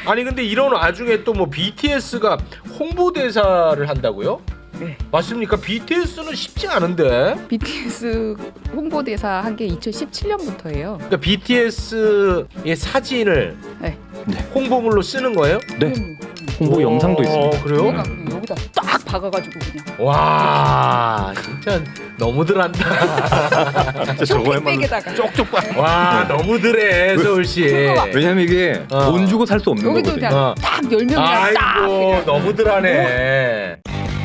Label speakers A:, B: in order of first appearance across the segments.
A: 아니 근데 이런 와중에 또 뭐 BTS가 홍보대사를 한다고요?
B: 네.
A: 맞습니까? BTS는 쉽지 않은데.
B: BTS 홍보대사 한 게 2017년부터예요.
A: 그러니까 BTS의 사진을
B: 네.
A: 홍보물로 쓰는 거예요?
C: 네. 홍보 영상도 있습니다.
A: 그래요?
B: 여기다 딱 박아가지고 그냥.
A: 와 진짜 너무들 한다.
C: 진짜 저거야말로
B: 쇼핑백에다가.
A: 쪽쪽 봐. 와 너무들해 서울시.
C: 왜냐면 이게
A: 어.
C: 돈 주고 살 수 없는
B: 여기도
C: 거거든요.
B: 그냥 딱 10명이랑 딱.
A: 아이고
B: 그냥.
A: 너무들하네.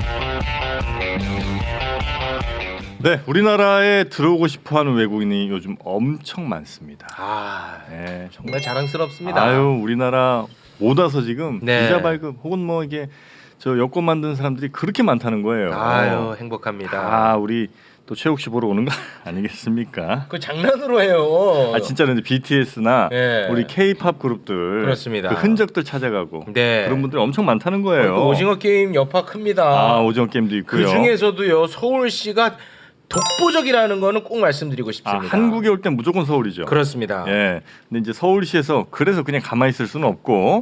D: 네, 우리나라에 들어오고 싶어하는 외국인이 요즘 엄청 많습니다.
A: 아
D: 네,
A: 정말 자랑스럽습니다.
D: 아유, 우리나라 못 와서 지금
A: 네.
D: 비자 발급 혹은 뭐 이게 저 여권 만드는 사람들이 그렇게 많다는 거예요.
A: 아유 행복합니다.
D: 아, 우리 또 최욱 씨 보러 오는 거 아니겠습니까?
A: 그 장난으로 해요.
D: 아, 진짜로 이제 BTS나
A: 네.
D: 우리 K-팝 그룹들
A: 그렇습니다.
D: 그 흔적들 찾아가고
A: 네.
D: 그런 분들이 엄청 많다는 거예요.
A: 그 오징어 게임 여파 큽니다.
D: 아, 오징어 게임도 있고요.
A: 그 중에서도요 서울시가 독보적이라는 거는 꼭 말씀드리고
D: 아,
A: 싶습니다.
D: 한국에 올 땐 무조건 서울이죠.
A: 그렇습니다.
D: 예. 근데 이제 서울시에서 그래서 그냥 가만히 있을 수는 없고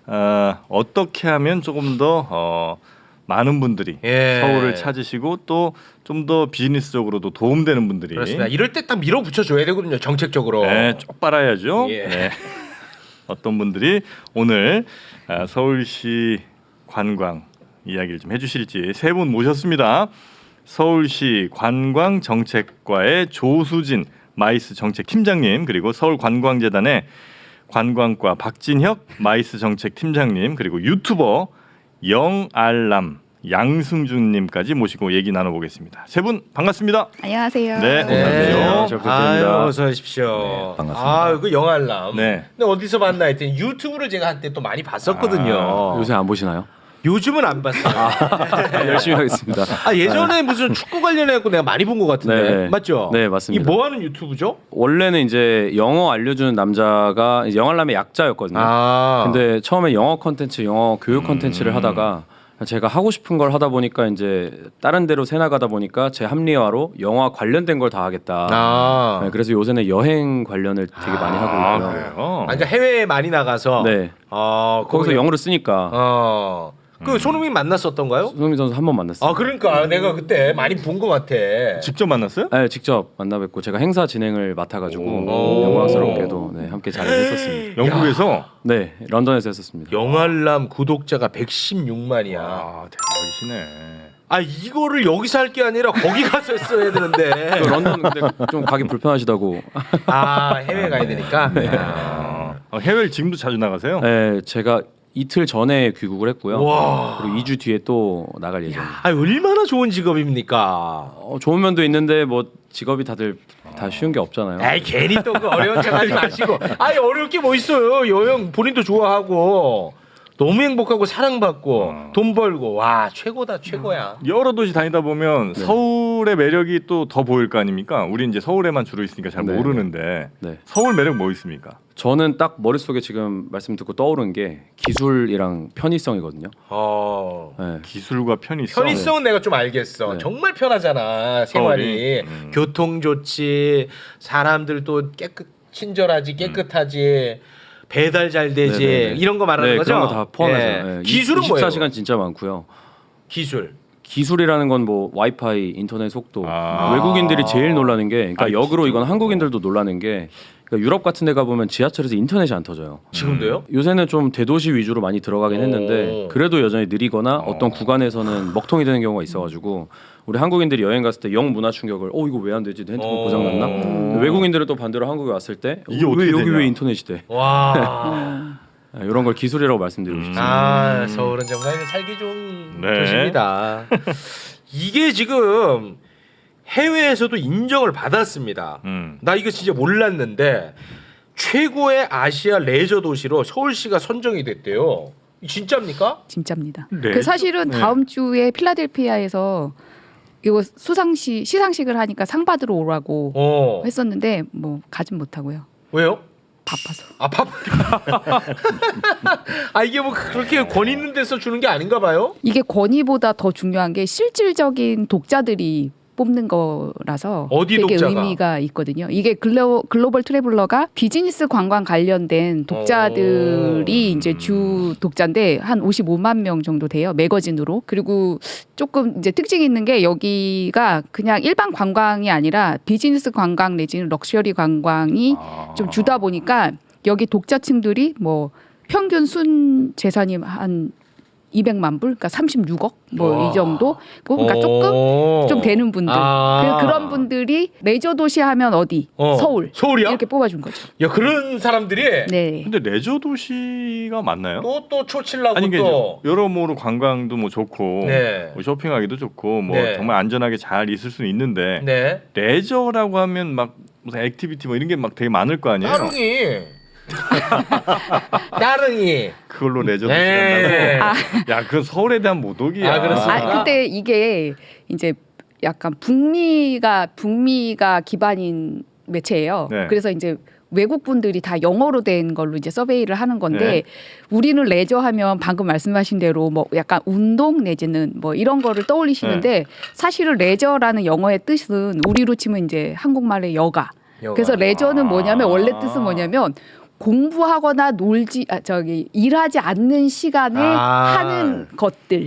D: 어떻게 하면 조금 더 많은 분들이
A: 예.
D: 서울을 찾으시고 또 좀 더 비즈니스적으로도 도움되는 분들이
A: 그렇습니다. 이럴 때 딱 밀어붙여 줘야 되거든요. 정책적으로.
D: 네, 쪽 빨아야죠.
A: 예.
D: 네. 어떤 분들이 오늘 서울시 관광 이야기를 좀 해주실지 세 분 모셨습니다. 서울시 관광정책과의 조수진 마이스 정책팀장님, 그리고 서울관광재단의 관광과 박진혁 마이스 정책팀장님, 그리고 유튜버 영알람 양승준님까지 모시고 얘기 나눠보겠습니다. 세 분 반갑습니다.
B: 안녕하세요.
D: 네.
A: 네.
D: 안녕하세요.
C: 잘 부탁드립니다.
A: 아유, 어서 오십시오.
C: 네, 반갑습니다.
A: 아, 그 영알람.
D: 네.
A: 근데 어디서 봤나 했더니 유튜브를 제가 한때 또 많이 봤었거든요.
D: 아,
C: 요새 안 보시나요?
A: 요즘은 안 봤어요.
C: 열심히 하겠습니다.
A: 아, 예전에 무슨 축구 관련해 갖고 내가 많이 본 것 같은데.
C: 네.
A: 맞죠?
C: 네, 맞습니다.
A: 이 뭐 하는 유튜브죠?
C: 원래는 이제 영어 알려주는 남자가 이제 영알람의 약자였거든요.
A: 아.
C: 근데 처음에 영어 컨텐츠, 영어 교육 컨텐츠를 하다가 제가 하고 싶은 걸 하다 보니까 이제 다른 데로 새 나가다 보니까 제 합리화로 영화 관련된 걸 다 하겠다.
A: 아.
C: 네, 그래서 요새는 여행 관련을 되게 많이 하고 있고요.
D: 그래요?
A: 아, 그러니까 해외에 많이 나가서
C: 네. 거기서
A: 거기-
C: 영어를 쓰니까
A: 그 손흥민 만났었던가요?
C: 손흥민 선수 한 번 만났어요.
A: 아, 그러니까 내가 그때 많이 본 것 같아.
D: 직접 만났어요?
C: 네, 직접 만나 뵙고 제가 행사 진행을 맡아가지고
D: 오.
C: 영광스럽게도 네, 함께 자리를 했었습니다.
D: 영국에서?
C: 네, 런던에서 했었습니다.
A: 영알람 구독자가 116만이야.
D: 아, 대박이시네.
A: 아, 이거를 여기서 할 게 아니라 거기 가서 했어야 되는데.
C: 그 런던 근데 좀 가기 불편하시다고.
A: 아, 해외 가야 되니까.
C: 네.
D: 해외를 지금도 자주 나가세요?
C: 네, 제가 이틀 전에 귀국을 했고요.
A: 와.
C: 그리고 2주 뒤에 또 나갈 예정입니다.
A: 아, 얼마나 좋은 직업입니까?
C: 좋은 면도 있는데 뭐 직업이 다들 다 쉬운 게 없잖아요.
A: 에이, 괜히 또 그 어려운 척하지 마시고. 아니, 어려울 게 뭐 있어요? 여행 본인도 좋아하고 너무 행복하고 사랑받고 돈 벌고 와 최고다 최고야.
D: 여러 도시 다니다 보면 서울의 매력이 또 더 보일 거 아닙니까? 우리 이제 서울에만 주로 있으니까 잘
C: 네.
D: 모르는데
C: 네.
D: 서울 매력 뭐 있습니까?
C: 저는 딱 머릿속에 지금 말씀 듣고 떠오른 게 기술이랑 편의성이거든요. 네.
D: 기술과 편의성.
A: 편의성은 내가 좀 알겠어.
C: 네.
A: 정말 편하잖아 생활이.
D: 서울이.
A: 교통 좋지, 사람들도 친절하지, 깨끗하지, 배달 잘 되지,
C: 네네네.
A: 이런 거 말하는
C: 네,
A: 거죠?
C: 그런 거 다 포함해서.
A: 예.
C: 네.
A: 기술은 뭐예요?
C: 24시간 진짜 많고요.
A: 기술.
C: 기술이라는 건 뭐 와이파이, 인터넷 속도.
D: 아.
C: 외국인들이 제일 놀라는 게, 그러니까
D: 아,
C: 역으로
D: 진짜로?
C: 이건 한국인들도 놀라는 게, 그러니까 유럽 같은 데 가보면 지하철에서 인터넷이 안 터져요.
A: 지금도요?
C: 요새는 좀 대도시 위주로 많이 들어가긴 했는데
A: 오.
C: 그래도 여전히 느리거나 어떤 구간에서는 먹통이 되는 경우가 있어가지고 우리 한국인들이 여행 갔을 때 영 문화 충격을 이거 왜 안 되지? 내 핸드폰
A: 오.
C: 고장났나? 외국인들은 또 반대로 한국에 왔을 때
D: 이게
C: 왜
D: 어떻게
C: 여기
D: 되냐?
C: 왜 인터넷이 돼?
A: 와.
C: 이런 걸 기술이라고 말씀드리고 싶습니다.
A: 아, 서울은 정말 살기 좋은
D: 네.
A: 도시입니다. 이게 지금 해외에서도 인정을 받았습니다. 나 이거 진짜 몰랐는데 최고의 아시아 레저 도시로 서울시가 선정이 됐대요. 진짜입니까?
B: 진짜입니다.
D: 네.
B: 그 사실은
D: 네.
B: 다음 주에 필라델피아에서 이거 시상식을 하니까 상 받으러 오라고 했었는데 뭐 가진 못하고요.
A: 왜요?
B: 바빠서.
A: 아, 아, 이게 뭐 그렇게 권 있는 데서 주는 게 아닌가 봐요?
B: 이게 권위보다 더 중요한 게 실질적인 독자들이 뽑는 거라서
A: 어디
B: 되게
A: 독자가?
B: 의미가 있거든요. 이게 글로벌 트래블러가 비즈니스 관광 관련된 독자들이 이제 주 독자인데 한 55만 명 정도 돼요. 매거진으로. 그리고 조금 이제 특징이 있는 게 여기가 그냥 일반 관광이 아니라 비즈니스 관광 내지는 럭셔리 관광이 좀 주다 보니까 여기 독자층들이 뭐 평균 순 재산이 한 200만 불, 그러니까 36억 뭐 이 정도. 그러니까 조금 좀 되는 분들. 그런 분들이 레저 도시 하면 어디? 서울.
A: 서울이야?
B: 이렇게 뽑아준 거죠.
A: 야 그런 사람들이
B: 네.
D: 근데 레저 도시가 맞나요?
A: 또 초칠라고
D: 아니 이게
A: 또.
D: 여러모로 관광도 뭐 좋고
A: 네.
D: 뭐 쇼핑하기도 좋고 뭐
A: 네.
D: 정말 안전하게 잘 있을 수는 있는데
A: 네.
D: 레저라고 하면 막 무슨 액티비티 뭐 이런 게 막 되게 많을 거 아니에요?
A: 따릉이. 따릉이.
D: 그걸로 레저 도시
A: 네.
D: 간다고? 야, 그건 서울에 대한 모독이야.
A: 아, 그렇습니까?
B: 아, 근데 이게 이제 약간 북미가 기반인 매체예요.
D: 네.
B: 그래서 이제 외국 분들이 다 영어로 된 걸로 이제 서베이를 하는 건데
D: 네.
B: 우리는 레저 하면 방금 말씀하신 대로 뭐 약간 운동 내지는 뭐 이런 거를 떠올리시는데 사실은 레저라는 영어의 뜻은 우리로 치면 이제 한국말의 여가. 그래서 레저는 뭐냐면 원래 뜻은 뭐냐면 공부하거나 일하지 않는 시간에 하는 것들.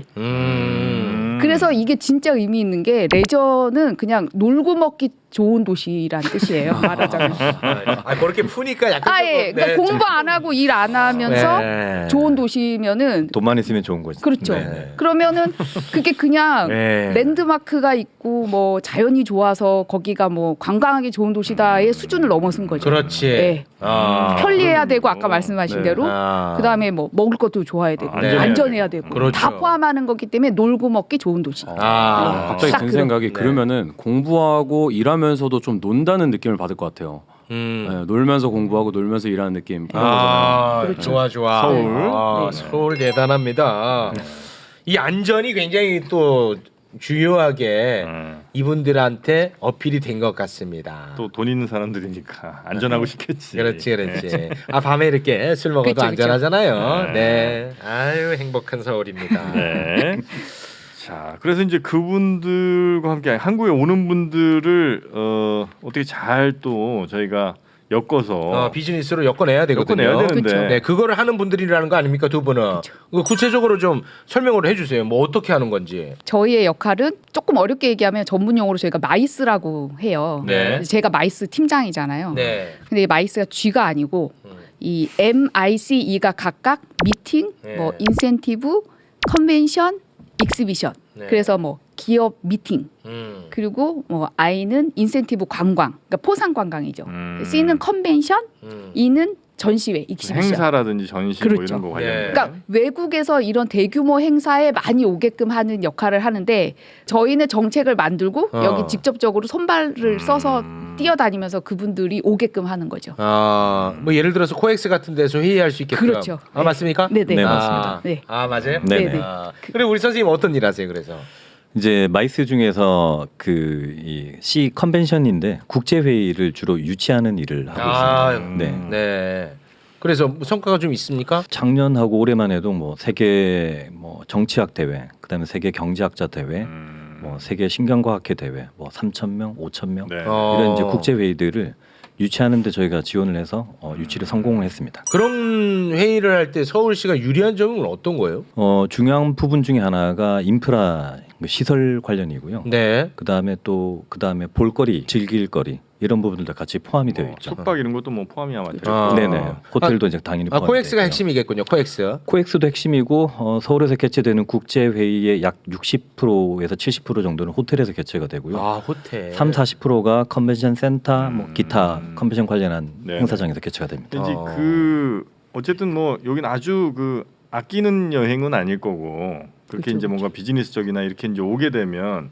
B: 그래서 이게 진짜 의미 있는 게 레저는 그냥 놀고 먹기 좋은 도시라는 뜻이에요. 말하자면.
A: 그렇게 푸니까 약간
B: 예. 그러니까 공부 안 하고 일 안 하면서
A: 네.
B: 좋은 도시면은
E: 돈만 있으면 좋은 거지.
B: 그렇죠.
A: 네.
B: 그러면은 그게 그냥
A: 네.
B: 랜드마크가 있고 뭐 자연이 좋아서 거기가 뭐 관광하기 좋은 도시다의 수준을 넘어선 거죠.
A: 그렇지.
B: 네. 편리해야 되고 아까
D: 네.
B: 말씀하신 대로 그다음에 뭐 먹을 것도 좋아야 되고
D: 네.
B: 안전해야 되고
A: 그렇죠.
B: 다 포함하는 거기 때문에 놀고 먹기 좋은 도시.
C: 갑자기
B: 딱
C: 든
B: 그런-
C: 생각이
A: 네.
C: 그러면은 공부하고 일하면서도 좀 논다는 느낌을 받을 것 같아요. 네, 놀면서 공부하고 놀면서 일하는 느낌 그런 거잖아요.
B: 그렇죠.
A: 좋아.
D: 서울.
B: 네.
A: 서울 대단합니다. 이 안전이 굉장히 또 주요하게 이분들한테 어필이 된 것 같습니다.
D: 또 돈 있는 사람들이니까 안전하고 싶겠지.
A: 그렇지. 밤에 이렇게 술 먹어도
B: 그쵸.
A: 안전하잖아요. 네. 아유 행복한 서울입니다.
D: 네. 자, 그래서 이제 그분들과 함께 한국에 오는 분들을 어떻게 잘 또 저희가 엮어서
A: 비즈니스로 엮어내야 되거든요.
D: 엮어내야 되는데.
B: 그쵸.
A: 네, 그거를 하는 분들이라는 거 아닙니까 두 분은? 그거 구체적으로 좀 설명을 해주세요. 뭐 어떻게 하는 건지.
B: 저희의 역할은 조금 어렵게 얘기하면 전문 용어로 저희가 마이스라고 해요.
A: 네.
B: 제가 마이스 팀장이잖아요.
A: 네.
B: 근데 이 마이스가 G가 아니고 이 MICE가 각각 미팅,
A: 네.
B: 뭐 인센티브, 컨벤션, 익스비션.
A: 네.
B: 그래서 뭐 기업 미팅. 그리고 뭐 I는 인센티브 관광. 그러니까 포상 관광이죠. C는 컨벤션, E는 전시회, 익스비션.
D: 행사라든지 전시 뭐
B: 그렇죠.
D: 이런 거 관련된.
A: 네.
B: 그러니까 외국에서 이런 대규모 행사에 많이 오게끔 하는 역할을 하는데 저희는 정책을 만들고 여기 직접적으로 손발을 써서 뛰어다니면서 그분들이 오게끔 하는 거죠.
A: 뭐 예를 들어서 코엑스 같은 데서 회의할 수 있게끔.
B: 그렇죠.
A: 아 맞습니까?
B: 네네.
E: 네, 맞습니다.
B: 네.
A: 아 맞아요?
E: 네네.
B: 네네.
A: 그리고 우리 선생님 어떤 일 하세요? 그래서
E: 이제 마이스 중에서 이 C 컨벤션인데 국제 회의를 주로 유치하는 일을 하고 있습니다. 네.
A: 네. 그래서 뭐 성과가 좀 있습니까?
E: 작년하고 올해만 해도 뭐 세계 뭐 정치학 대회, 그다음에 세계 경제학자 대회, 뭐 세계 신경과학회 대회, 뭐 3,000명, 5,000명
D: 네.
E: 이런 이제 국제 회의들을 유치하는데 저희가 지원을 해서 유치를 성공을 했습니다.
A: 그런 회의를 할 때 서울시가 유리한 점은 어떤 거예요?
E: 중요한 부분 중에 하나가 인프라 시설 관련이고요.
A: 네.
E: 그다음에 볼거리, 즐길거리 이런 부분들도 같이 포함이 되어 있죠.
D: 숙박 이런 것도 뭐 포함이야 맞죠?
A: 아.
E: 네네. 호텔도 이제 당연히 포함이
A: 코엑스가
E: 되고요.
A: 핵심이겠군요. 코엑스.
E: 코엑스도 핵심이고 서울에서 개최되는 국제 회의의 약 60%에서 70% 정도는 호텔에서 개최가 되고요.
A: 아 호텔.
E: 30-40%가 컨벤션 센터, 뭐 기타 컨벤션 관련한
D: 네.
E: 행사장에서 개최가 됩니다.
D: 근데 이제 어쨌든 뭐 여긴 아주 아끼는 여행은 아닐 거고 그렇게
B: 그쵸,
D: 이제 뭔가 비즈니스적이나 이렇게 이제 오게 되면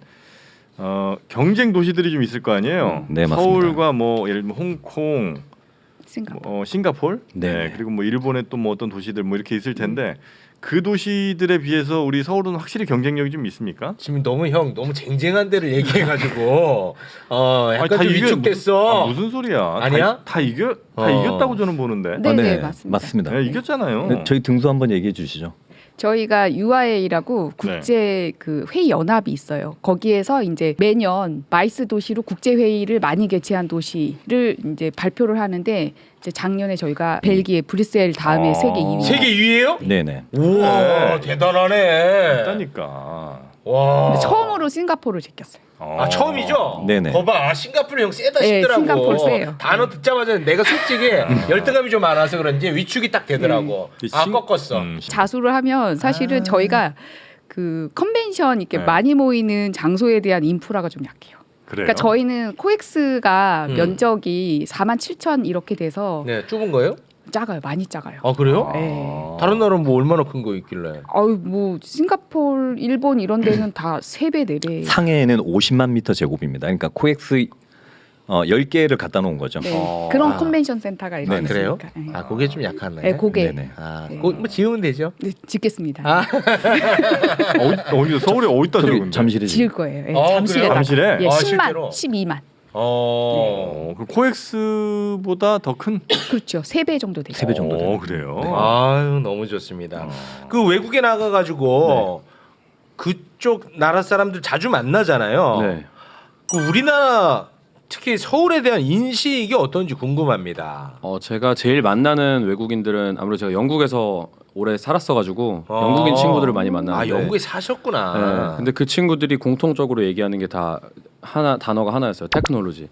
D: 경쟁 도시들이 좀 있을 거 아니에요.
E: 네, 맞습니다.
D: 서울과 뭐 예를 들면 홍콩, 싱가포르,
E: 네.
D: 그리고 뭐 일본의 또 뭐 어떤 도시들 뭐 이렇게 있을 텐데 그 도시들에 비해서 우리 서울은 확실히 경쟁력이 좀 있습니까?
A: 지금 너무 쟁쟁한 데를 얘기해가지고 약간
D: 다
A: 좀
D: 이겨-
A: 위축됐어.
D: 무슨 소리야?
A: 아니야?
D: 다 이겼다고 저는 보는데.
B: 네, 네, 맞습니다.
E: 맞습니다.
D: 네, 이겼잖아요.
E: 네, 저희 등수 한번 얘기해 주시죠.
B: 저희가 UIA라고 국제 그 회의 연합이 있어요. 거기에서 이제 매년 마이스 도시로 국제 회의를 많이 개최한 도시를 이제 발표를 하는데 이제 작년에 저희가 벨기에 브뤼셀 다음에 세계 2위.
A: 세계 2위예요?
E: 네네.
A: 우와 대단하네.
D: 있다니까.
A: 와.
B: 처음으로 싱가포르를 제꼈어요.
A: 아 처음이죠?
E: 네네.
A: 거봐 싱가포르 형 세다
B: 네,
A: 싶더라고.
B: 싱가포르 세요.
A: 단어 듣자마자 내가 솔직히 열등감이 좀 많아서 그런지 위축이 딱 되더라고. 아 꺾었어.
B: 자수를 하면 사실은 저희가 그 컨벤션 이렇게
D: 네.
B: 많이 모이는 장소에 대한 인프라가 좀 약해요.
D: 그래요.
B: 그러니까 저희는 코엑스가
A: 음.
B: 면적이 47,000 이렇게 돼서
A: 네 좁은 거예요?
B: 작아요. 많이 작아요.
A: 아 그래요?
B: 네.
A: 다른 나라는 뭐 얼마나 큰 거 있길래?
B: 아유 뭐 싱가포르, 일본 이런 데는 다 3배, 4배.
E: 상해에는 50만 미터 제곱입니다. 그러니까 코엑스 10개를 갖다 놓은 거죠.
B: 네. 그런
A: 아.
B: 컨벤션 센터가 이렇게
A: 아, 그래요?
B: 있으니까. 네.
A: 아 그게 좀 약하네.
B: 네, 그게
E: 네네.
A: 아,
B: 네.
A: 그거 뭐 지으면 되죠.
B: 네, 짓겠습니다.
A: 아.
D: 어디 서울에 어디다
E: 저기
D: 지금
E: 잠실에
B: 지을 거예요. 예,
A: 아,
B: 잠실에다가.
D: 잠실에?
B: 예,
A: 아,
B: 10만,
A: 실제로?
B: 12만.
A: 어.
D: 그 코엑스보다 더 큰.
B: 그렇죠. 3배 정도 되죠.
E: 3배 정도 돼요.
D: 그래요.
A: 아유 너무 좋습니다. 그 외국에 나가가지고 그쪽 나라 사람들 자주 만나잖아요.
C: 네.
A: 그 우리나라 특히 서울에 대한 인식이 어떤지 궁금합니다.
C: 제가 제일 만나는 외국인들은 아무래도 제가 영국에서 오래 살았어가지고 영국인 친구들을 많이
A: 아
C: 만나는데.
A: 영국에 사셨구나.
C: 네. 근데 그 친구들이 공통적으로 얘기하는 게 다 단어가 하나였어요. 테크놀로지.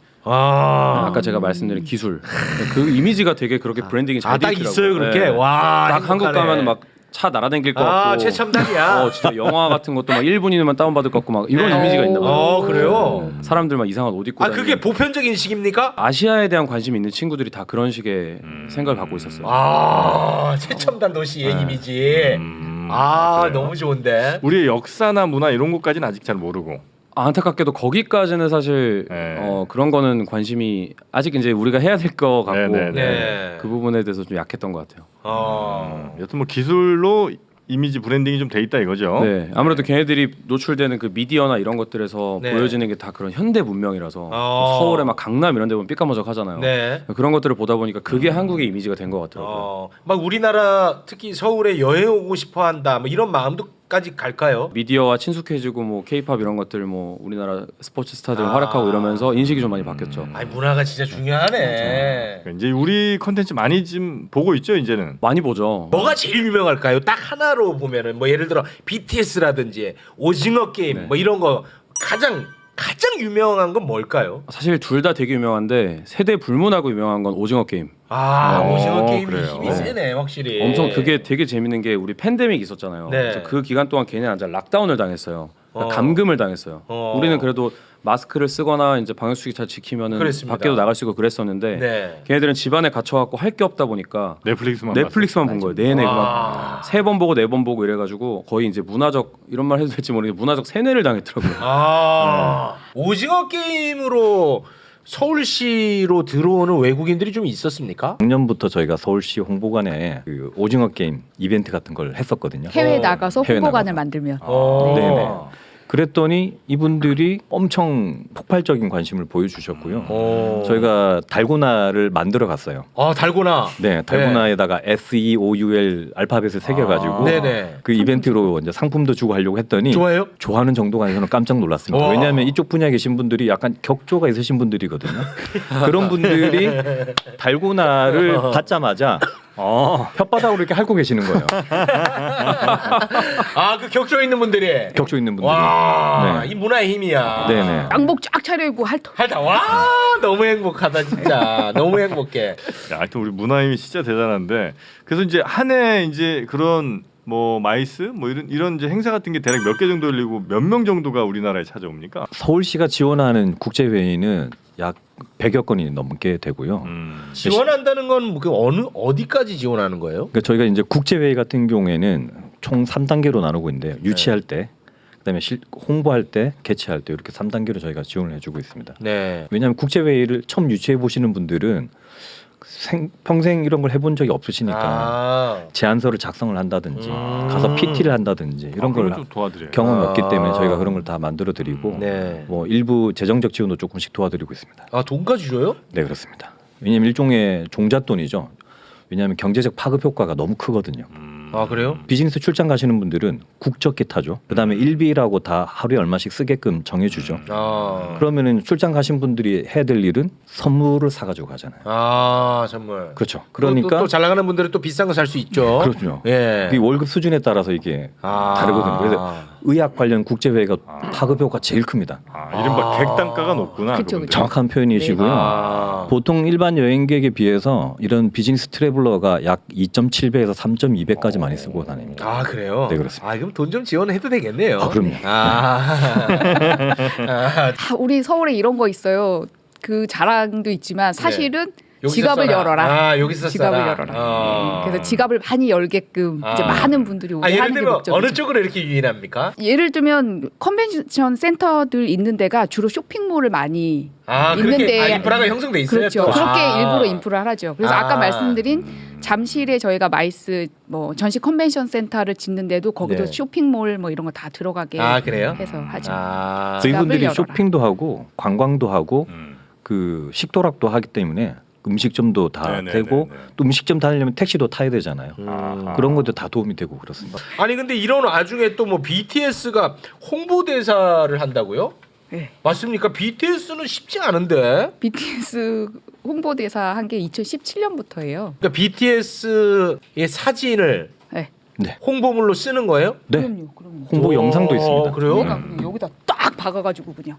C: 아까 제가 말씀드린 기술. 그 이미지가 되게 그렇게 브랜딩이 잘 돼
A: 딱
C: 있더라고요.
A: 있어요 그렇게.
C: 네.
A: 와
C: 딱 한국
A: 행복하네.
C: 가면 막 차 날아다닐 것 같고.
A: 아 최첨단이야.
C: 진짜 영화 같은 것도 막 1분이면 다운받을 것 같고 막 이런
A: 네.
C: 이미지가 있나 봐요.
A: 그래요?
C: 사람들 막 이상한 옷 입고
A: 아
C: 다니는.
A: 그게 보편적 인식입니까?
C: 아시아에 대한 관심이 있는 친구들이 다 그런 식의 생각을 갖고 있었어요.
A: 아 최첨단 도시의 이미지. 아
D: 그래요?
A: 너무 좋은데.
D: 우리의 역사나 문화 이런 것까지는 아직 잘 모르고.
C: 안타깝게도 거기까지는 사실
D: 네.
C: 그런 거는 관심이 아직 이제 우리가 해야 될 것 같고
D: 네.
A: 네.
C: 그 부분에 대해서 좀 약했던 것 같아요.
D: 여튼 뭐 기술로 이미지 브랜딩이 좀 돼 있다 이거죠.
C: 네, 아무래도 걔네들이 노출되는 그 미디어나 이런 것들에서
A: 네.
C: 보여지는 게 다 그런 현대 문명이라서
A: 어.
C: 서울에 막 강남 이런 데 보면 삐까머적하잖아요.
A: 네.
C: 그런 것들을 보다 보니까 그게 한국의 이미지가 된 것 같더라고요.
A: 막 우리나라 특히 서울에 여행 오고 싶어한다. 뭐 이런 마음도까지 갈까요?
C: 미디어와 친숙해지고 뭐 K-팝 이런 것들 뭐 우리나라 스포츠 스타들
A: 아.
C: 활약하고 이러면서 인식이 좀 많이 바뀌었죠.
A: 아니 문화가 진짜 중요하네.
D: 그러니까 이제 우리 컨텐츠 많이 지금 보고 있죠 이제는.
C: 많이 보죠.
A: 뭐가 제일 유명할까요? 딱 하나로 보면은 뭐 예를 들어 BTS라든지 오징어 게임
C: 네.
A: 뭐 이런 거 가장 유명한 건 뭘까요?
C: 사실 둘 다 되게 유명한데 세대 불문하고 유명한 건 오징어 게임.
A: 오징어 게임이
D: 그래요.
A: 힘이
D: 네.
A: 세네 확실히.
C: 엄청 그게 되게 재밌는 게 우리 팬데믹 있었잖아요.
A: 네.
C: 그래서 그 기간 동안 걔네 완전 락다운을 당했어요. 그러니까
A: 어.
C: 감금을 당했어요.
A: 어.
C: 우리는 그래도 마스크를 쓰거나 이제 방역수칙 잘 지키면은
A: 그랬습니다.
C: 밖에도 나갈 수 있고 그랬었는데
A: 네.
C: 걔네들은 집안에 갇혀갖고 할 게 없다 보니까 넷플릭스만 본 거예요. 내내 막 3번 보고 4번 보고 이래가지고 거의 이제 문화적 이런 말 해도 될지 모르겠는데 문화적 세뇌를 당했더라고요.
A: 오징어 게임으로 서울시로 들어오는 외국인들이 좀 있었습니까?
E: 작년부터 저희가 서울시 홍보관에 그 오징어 게임 이벤트 같은 걸 했었거든요.
B: 해외 나가서
E: 해외
B: 홍보관을
E: 나가서.
B: 만들면.
E: 네네. 그랬더니 이분들이 엄청 폭발적인 관심을 보여주셨고요. 저희가 달고나를 만들어 갔어요.
A: 달고나.
E: 네, 달고나에다가 SEOUL 알파벳을 새겨가지고
A: 네네.
E: 그 이벤트로 이제 상품도 주고 하려고 했더니
A: 좋아요?
E: 좋아하는 정도가 아니라 저는 깜짝 놀랐습니다.
A: 와.
E: 왜냐하면 이쪽 분야에 계신 분들이 약간 격조가 있으신 분들이거든요. 그런 분들이 달고나를 받자마자 혓바닥으로 이렇게 핥고 계시는 거예요.
A: 그 격조 있는 분들이.
E: 격조 있는 분들이.
A: 와,
E: 네.
A: 이 문화의 힘이야.
E: 네네.
B: 양복 쫙 차려입고 핥어.
A: 와, 너무 행복하다 진짜. 너무 행복해.
D: 야, 하여튼 우리 문화임이 진짜 대단한데 그래서 이제 한 해 이제 그런 뭐 마이스 뭐 이런 이제 행사 같은 게 대략 몇 개 정도 열리고 몇 명 정도가 우리나라에 찾아옵니까?
E: 서울시가 지원하는 국제 회의는 약 100여 건이 넘게 되고요.
A: 지원한다는 건 그 어디까지 지원하는 거예요?
E: 그러니까 저희가 이제 국제 회의 같은 경우에는 총 3단계로 나누고 있는데요. 유치할 때, 그다음에 홍보할 때, 개최할 때 이렇게 3단계로 저희가 지원을 해주고 있습니다.
A: 네.
E: 왜냐하면 국제 회의를 처음 유치해 보시는 분들은 평생 이런 걸 해본 적이 없으시니까 제안서를 작성을 한다든지 가서 PT를 한다든지 이런 걸
D: 좀 도와드려요.
E: 경험이 없기 때문에 저희가 그런 걸 다 만들어 드리고
A: 네.
E: 뭐 일부 재정적 지원도 조금씩 도와드리고 있습니다.
A: 돈까지 줘요?
E: 네, 그렇습니다. 왜냐하면 일종의 종잣돈이죠. 왜냐하면 경제적 파급 효과가 너무 크거든요.
A: 아 그래요?
E: 비즈니스 출장 가시는 분들은 국적기 타죠. 그다음에 일비라고 다 하루에 얼마씩 쓰게끔 정해주죠.
A: 아,
E: 그러면은 출장 가신 분들이 해야 될 일은 선물을 사가지고 가잖아요.
A: 아 선물.
E: 그렇죠. 그러니까
A: 또 잘 나가는 분들은 또 비싼 거 살 수 있죠.
E: 그렇죠.
A: 예.
E: 이 월급 수준에 따라서 이게
A: 아.
E: 다르거든요. 그래서 의학 관련 국제회의가 파급효과가 제일 큽니다.
D: 이른바 객단가가 높구나.
B: 그쵸,
D: 그분들.
B: 그쵸.
E: 정확한 표현이시고요.
A: 아.
E: 보통 일반 여행객에 비해서 이런 비즈니스 트래블러가 약 2.7배에서 3.2배까지 많이 쓰고 다닙니다.
A: 아 그래요?
E: 네, 그렇습니다.
A: 아 그럼 돈 좀 지원해도 되겠네요.
E: 아, 그럼요.
A: 아,
B: 우리 서울에 이런 거 있어요. 그 자랑도 있지만 사실은
A: 여기서
B: 지갑을
A: 써라.
B: 열어라.
A: 아 여기서
B: 지갑을
A: 써라.
B: 열어라.
A: 어.
B: 그래서 지갑을 많이 열게끔 이제
A: 아.
B: 많은 분들이 오게
A: 예를
B: 하는 게
A: 들면
B: 목적이죠.
A: 어느 쪽으로 이렇게 유인합니까?
B: 예를 들면 컨벤션 센터들 있는 데가 주로 쇼핑몰을 많이
A: 아 그렇게
B: 있는데
A: 인프라가 형성돼 있어요.
B: 그렇죠.
A: 또?
B: 그렇게
A: 아.
B: 일부러 인프라를 하죠. 그래서 아까
A: 아.
B: 말씀드린 잠실에 저희가 마이스 뭐 전시 컨벤션 센터를 짓는데도 거기도
A: 네.
B: 쇼핑몰 뭐 이런 거 다 들어가게
A: 아 그래요?
B: 해서 하죠.
A: 아,
E: 그래서 이분들이
B: 열어라.
E: 쇼핑도 하고 관광도 하고
D: 음.
E: 그 식도락도 하기 때문에 음식점도 다
D: 네네네네.
E: 되고 또 음식점 다니려면 택시도 타야 되잖아요.
A: 음.
E: 그런 것도 다 도움이 되고 그렇습니다.
A: 아니 근데 이런 와중에 또 뭐 BTS가 홍보대사를 한다고요?
B: 네.
A: 맞습니까? BTS는 쉽지 않은데.
B: BTS 홍보대사 한 게 2017년부터예요.
A: 그러니까 BTS의 사진을
B: 네.
E: 네.
A: 홍보물로 쓰는 거예요?
E: 네.
B: 그럼요.
E: 홍보 영상도 있습니다.
A: 그래요?
B: 여기다, 그냥 여기다 딱 박아가지고 그냥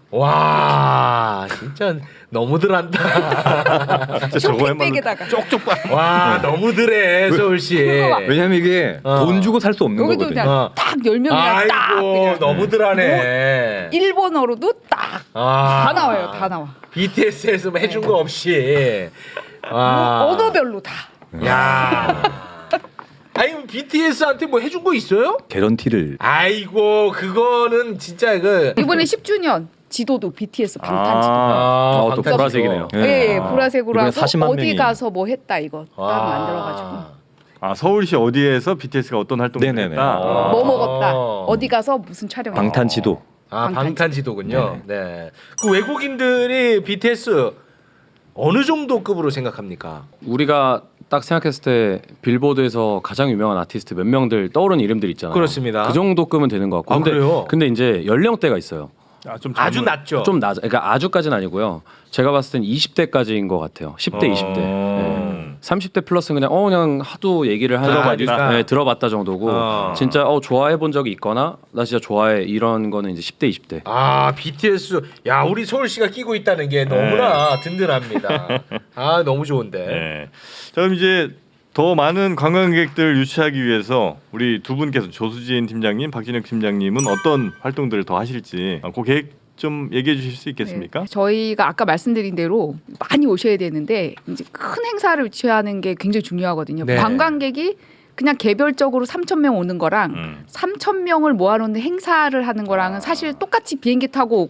A: 와 진짜 너무들 한다.
D: 진짜 저거야말로
B: 쇼핑백에다가
A: 쪽쪽 봐. 와 너무들해 서울시.
E: 왜냐면 이게
A: 어.
E: 돈 주고 살 수 없는
B: 여기도
E: 거거든요.
B: 그냥
A: 어.
B: 딱 10명이나 딱
A: 아이고
B: 그냥
A: 너무들하네.
B: 일본어로도 딱 다
A: 아.
B: 나와요. 다 나와.
A: BTS에서 뭐 해준 거 없이. 와.
B: 언어별로 다.
A: 야. 아니 BTS한테 뭐 해준 거 있어요?
E: 개런티를
A: 아이고 그거는 진짜 그.
B: 이번에 10주년 지도도 BTS 방탄 지도.
C: 또
A: 방탄
C: 보라색이네요.
A: 지도.
B: 예, 보라색으로
E: 이번에
B: 하고
E: 40만
B: 어디
E: 명이.
B: 가서 뭐 했다 이거 딱
A: 와.
B: 만들어가지고
D: 서울시 어디에서 BTS가 어떤 활동을
E: 네네네.
D: 했다.
B: 뭐 먹었다 어디 가서 무슨 촬영
E: 방탄 지도.
A: 아
B: 방탄
A: 방탄지도군요. 네. 그 외국인들이 BTS 어느 정도 급으로 생각합니까?
C: 우리가 딱 생각했을 때 빌보드에서 가장 유명한 아티스트 몇 명들 떠오르는 이름들 있잖아요.
A: 그렇습니다.
C: 그 정도급은 되는 것 같고.
A: 아, 그래요?
C: 근데 이제 연령대가 있어요.
D: 좀
A: 아주
D: 젊은-
A: 낮죠.
C: 좀 낮아. 그러니까 아주까지는 아니고요. 제가 봤을 땐 20대까지인 것 같아요. 10대, 20대. 네. 30대 플러스는 그냥 그냥 얘기를 하는
A: 들어봤다.
C: 네, 들어봤다 정도고 진짜 좋아해 본 적이 있거나 나 진짜 좋아해 이런 거는 이제 10대, 20대.
A: 아 BTS 야 우리 서울시가 끼고 있다는 게 너무나 든든합니다. 아 너무 좋은데.
D: 네. 자 그럼 이제 더 많은 관광객들 유치하기 위해서 우리 두 분께서 조수진 팀장님, 박진혁 팀장님은 어떤 활동들을 더 하실지 그 계획 좀 얘기해 주실 수 있겠습니까?
B: 네, 저희가 아까 말씀드린 대로 많이 오셔야 되는데 이제 큰 행사를 유치하는 게 굉장히 중요하거든요.
A: 네.
B: 관광객이 그냥 개별적으로 3,000명 오는 거랑 3,000명을 모아놓는 행사를 하는 거랑은 사실 똑같이 비행기 타고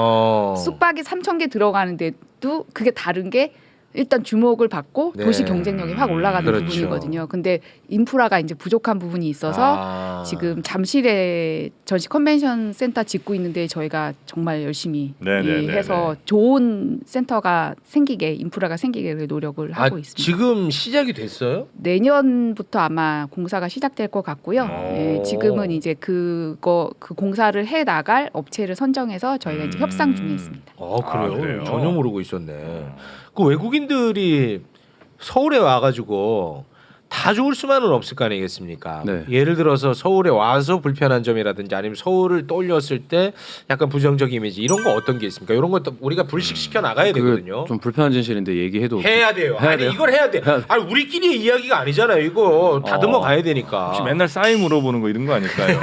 B: 오고 숙박이 3,000개 들어가는데도 그게 다른 게 일단 주목을 받고
A: 네.
B: 도시 경쟁력이 확 올라가는
A: 그렇죠.
B: 부분이거든요. 근데 인프라가 이제 부족한 부분이 있어서 지금 잠실에 전시 컨벤션 센터 짓고 있는데 저희가 정말 열심히
D: 네네네네.
B: 해서 좋은 센터가 생기게 인프라가 생기게 노력을 하고 있습니다.
A: 지금 시작이 됐어요?
B: 내년부터 아마 공사가 시작될 것 같고요. 예, 지금은 이제 그 공사를 해 나갈 업체를 선정해서 저희가 이제 협상 중에 있습니다.
A: 그래요?
D: 그래요?
A: 전혀 모르고 있었네. 그 외국인들이 서울에 와가지고 다 좋을 수만은 없을 거 아니겠습니까?
C: 네.
A: 예를 들어서 서울에 와서 불편한 점이라든지 아니면 서울을 떠올렸을 때 약간 부정적 이미지 이런 거 어떤 게 있습니까? 이런 것도 우리가 불식시켜 나가야 되거든요.
C: 좀 불편한 진실인데 얘기해도
A: 해야 돼요.
C: 해야
A: 아니
C: 돼요?
A: 이걸 해야 돼. 아니 우리끼리의 이야기가 아니잖아요. 이거 다듬어 가야 되니까.
D: 혹시 맨날 싸이 물어보는 거 이런 거 아닐까요?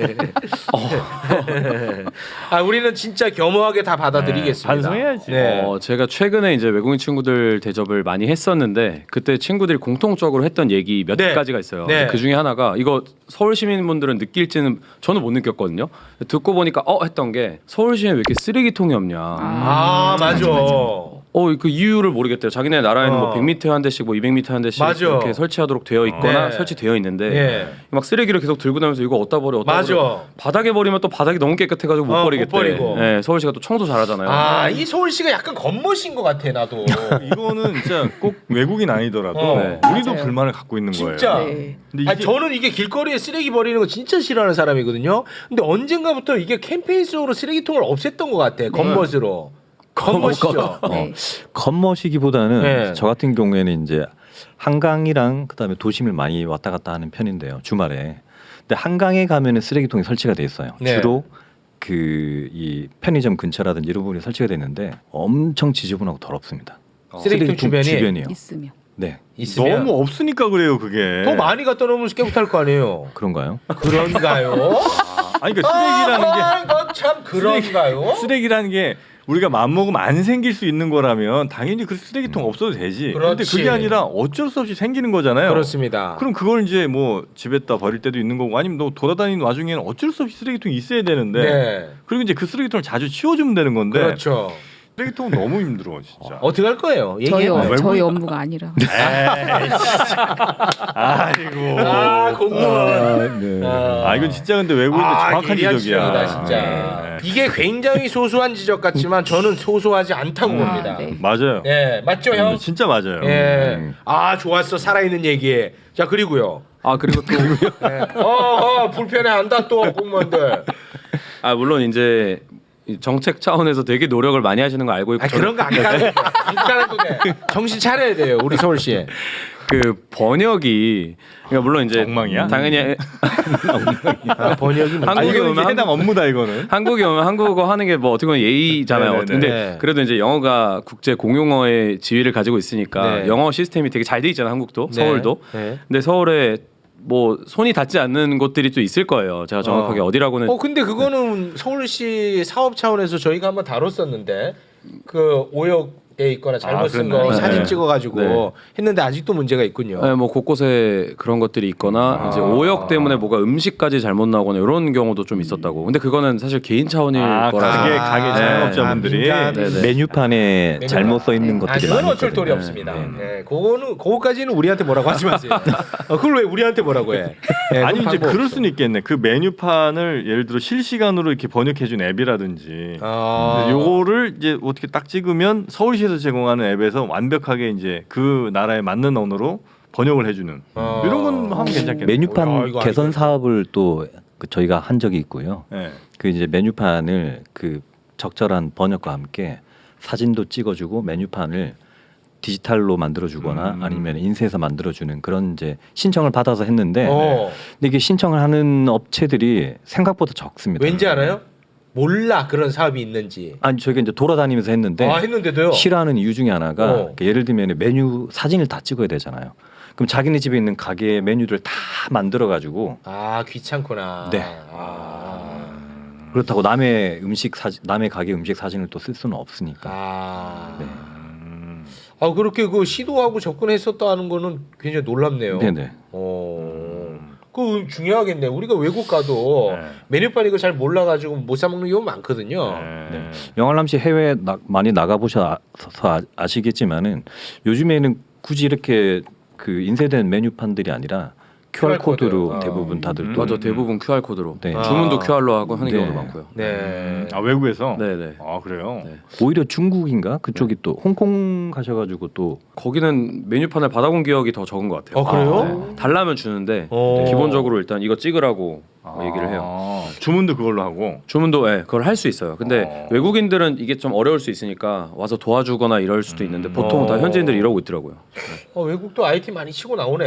A: 우리는 진짜 겸허하게 다 받아들이겠습니다.
D: 반성해야지.
A: 네.
C: 제가 최근에 이제 외국인 친구들 대접을 많이 했었는데 그때 친구들이 공통적으로 했던 얘기 몇
A: 네.
C: 가지가 있어요.
A: 네.
C: 그 중에 하나가 이거 서울 시민분들은 느낄지는 저는 못 느꼈거든요. 듣고 보니까 했던 게 서울 시에 왜 이렇게 쓰레기통이 없냐.
A: 맞아.
C: 그 이유를 모르겠대요. 자기네 나라에는 뭐 100m 한 대씩 뭐 200m 한 대씩
A: 맞아.
C: 이렇게 설치하도록 되어 있거나
A: 네.
C: 설치되어 있는데
A: 예.
C: 막 쓰레기를 계속 들고 다니면서 이거 어디다 버려
A: 맞아.
C: 바닥에 버리면 또 바닥이 너무 깨끗해가지고 못 버리겠대.
A: 못 버리고.
C: 예, 서울시가 또 청소 잘하잖아요.
A: 이 서울시가 약간 겉멋인 것 같아 나도.
D: 이거는 진짜 꼭 외국인 아니더라도
A: 네.
D: 우리도
B: 맞아요.
D: 불만을 갖고 있는
A: 진짜.
D: 거예요.
B: 네.
D: 근데
A: 아니, 저는 이게 길거리에 쓰레기 버리는 거 진짜 싫어하는 사람이거든요. 근데 언젠가부터 이게 캠페인성으로 쓰레기통을 없앴던 것 같아. 겉멋으로. 겉멋이죠.
B: 네.
E: 겉멋이기보다는
A: 네.
E: 저 같은 경우에는 이제 한강이랑 그다음에 도심을 많이 왔다 갔다 하는 편인데요. 주말에. 근데 한강에 가면은 쓰레기통이 설치가 돼 있어요.
A: 네.
E: 주로 그 이 편의점 근처라든지 이런 부분에 설치가 돼 있는데 엄청 지저분하고 더럽습니다.
A: 쓰레기통 주변이
E: 주변이요.
B: 있으면.
E: 네.
A: 있으면
D: 너무 없으니까 그래요 그게.
A: 더 많이 갖다 놓으면 깨끗할 거 아니에요.
E: 그런가요?
A: 그런가요?
D: 아니 그러니까 쓰레기라는
A: 참 그런가요?
D: 게 쓰레기라는 게 우리가 마음먹으면 안 생길 수 있는 거라면 당연히 그 쓰레기통 없어도 되지. 근데
A: 그렇지.
D: 그게 아니라 어쩔 수 없이 생기는 거잖아요.
A: 그렇습니다.
D: 그럼 그걸 이제 뭐 집에다 버릴 때도 있는 거고 아니면 너 돌아다니는 와중에는 어쩔 수 없이 쓰레기통이 있어야 되는데
A: 네.
D: 그리고 이제 그 쓰레기통을 자주 치워주면 되는 건데
A: 그렇죠.
D: 쓰레기통은 너무 힘들어 진짜.
A: 어떻게 할 거예요?
B: 저희
A: 얘기해봐요.
B: 저희 업무가 아니라.
D: 아이고.
A: 공무원.
E: 네.
D: 아 이건 진짜 근데 외국인들 정확한
A: 예리한
D: 지적이야.
A: 지적이다, 진짜.
D: 네.
A: 이게 굉장히 소소한 지적 같지만 저는 소소하지 않다고 봅니다.
B: 네.
D: 맞아요.
A: 예, 맞죠, 형?
D: 진짜 맞아요.
A: 예. 좋았어. 살아있는 얘기에. 자, 그리고요.
C: 그리고 또
A: 예. 불편해한다 또 공무원들.
C: 물론 이제 이 정책 차원에서 되게 노력을 많이 하시는 거 알고 있고
A: 그런 거 안 가도 돼. 안 가도 돼. 정신 차려야 돼요, 우리 서울시에.
C: 그 번역이 그러니까 물론 이제
D: 엉망이야?
C: 당연히
A: 번역이 뭐.
D: 아니
C: 한국에
D: 이거
C: 오면
D: 해당 업무다 이거는.
C: 한국에 오면 한국어 하는 게 뭐 어떻게 보면 예의잖아요.
D: 네네네.
C: 근데
A: 네.
C: 그래도 이제 영어가 국제 공용어의 지위를 가지고 있으니까
A: 네.
C: 영어 시스템이 되게 잘 돼 있잖아요. 한국도 서울도.
A: 네.
C: 근데 서울에 뭐 손이 닿지 않는 곳들이 또 있을 거예요. 제가 정확하게 어디라고는
A: 근데 그거는 서울시 사업 차원에서 저희가 한번 다뤘었는데 그 오역돼 있거나 잘못 쓴 거
D: 그랬나요?
A: 사진
C: 네.
A: 찍어가지고
C: 네.
A: 했는데 아직도 문제가 있군요.
C: 뭐 곳곳에 그런 것들이 있거나 이제 오역 때문에 뭐가 음식까지 잘못 나오거나 이런 경우도 좀 있었다고. 근데 그거는 사실 개인 차원일 거라서.
D: 가게 자영업자분들이
A: 민간
C: 네네.
E: 메뉴판에 잘못 써 있는 것들이
A: 그건
E: 많이
A: 어쩔 도리
E: 있거든요.
A: 없습니다. 네, 그거까지는 우리한테 뭐라고 하지 마세요. 그걸 왜 우리한테 뭐라고 해? 네,
D: 아니
A: 그건
D: 이제
A: 방법
D: 그럴
A: 없어.
D: 수는 있겠네. 그 메뉴판을 예를 들어 실시간으로 이렇게 번역해준 앱이라든지 요거를 이제 어떻게 딱 찍으면 서울시에서 제공하는 앱에서 완벽하게 이제 그 나라에 맞는 언어로 번역을 해주는 이런 건 하면 괜찮겠네요.
E: 메뉴판
A: 이거
E: 개선
A: 아니고요.
E: 사업을 또 저희가 한 적이 있고요.
D: 네.
E: 그 이제 메뉴판을 그 적절한 번역과 함께 사진도 찍어주고 메뉴판을 디지털로 만들어주거나 아니면 인쇄해서 만들어주는 그런 이제 신청을 받아서 했는데 근데 이게 신청을 하는 업체들이 생각보다 적습니다.
A: 왠지 알아요? 몰라 그런 사업이 있는지.
E: 아니 저희가 이제 돌아다니면서 했는데
A: 했는데도요.
E: 싫어하는 이유 중에 하나가
A: 어.
E: 예를 들면 메뉴 사진을 다 찍어야 되잖아요. 그럼 자기네 집에 있는 가게 메뉴를 다 만들어 가지고
A: 귀찮구나.
E: 네. 그렇다고 남의 남의 가게 음식 사진을 또 쓸 수는 없으니까. 네.
A: 그렇게 그 시도하고 접근했었다는 거는 굉장히 놀랍네요.
E: 네네.
A: 그 중요하겠네. 우리가 외국 가도 메뉴판 이거 잘 몰라가지고 못 사 먹는 경우 많거든요.
E: 네. 영알람 씨 해외 많이 나가 보셔서 아시겠지만은 요즘에는 굳이 이렇게 그 인쇄된 메뉴판들이 아니라 QR 코드로 대부분 다들 또
C: 맞아 대부분 QR 코드로
E: 네.
C: 주문도 QR로 하고 하는
E: 네.
C: 경우도 많고요.
A: 네.
D: 외국에서.
C: 네네.
D: 그래요.
C: 네.
E: 오히려 중국인가 그쪽이 또 홍콩 가셔가지고 또
C: 거기는 메뉴판을 받아본 기억이 더 적은 것 같아요.
A: 그래요?
C: 네. 달라면 주는데
A: 어.
C: 기본적으로 일단 이거 찍으라고 얘기를 해요.
D: 주문도 그걸로 하고.
C: 주문도 그걸 할 수 있어요. 근데 외국인들은 이게 좀 어려울 수 있으니까 와서 도와주거나 이럴 수도 있는데 보통 다 현지인들이 이러고 있더라고요.
A: 외국도 IT 많이 치고 나오네.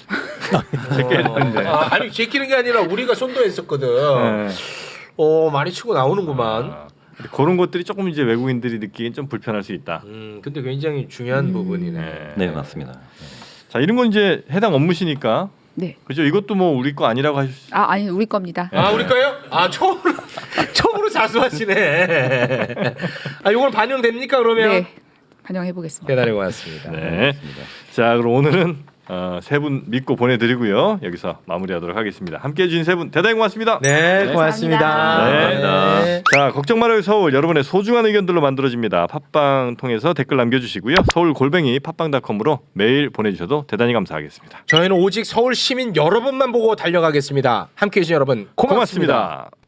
D: 제끼는데.
A: 아니 제끼는 게 아니라 우리가 손도했었거든. 많이 치고 나오는구만.
D: 근데 그런 것들이 조금 이제 외국인들이 느끼기엔 좀 불편할 수 있다.
A: 근데 굉장히 중요한 부분이네.
E: 네 맞습니다.
D: 자 이런 건 이제 해당 업무시니까.
B: 네.
D: 그죠? 이것도 뭐 우리 거 아니라고 하실 수.
B: 아니 우리 겁니다.
A: 우리 거요? 처음으로 자수하시네. 이건 반영됩니까 그러면?
B: 네. 반영해 보겠습니다.
A: 대단히 고맙습니다.
D: 네. 자 그럼 오늘은 세 분 믿고 보내드리고요. 여기서 마무리하도록 하겠습니다. 함께해 주신 세 분 대단히 고맙습니다.
A: 네, 고맙습니다.
B: 감사합니다.
D: 네. 자, 걱정 말아요 서울, 여러분의 소중한 의견들로 만들어집니다. 팟빵 통해서 댓글 남겨주시고요. 서울@팟빵.com으로 메일 보내주셔도 대단히 감사하겠습니다.
A: 저희는 오직 서울 시민 여러분만 보고 달려가겠습니다. 함께해 주신 여러분 고맙습니다.
D: 고맙습니다.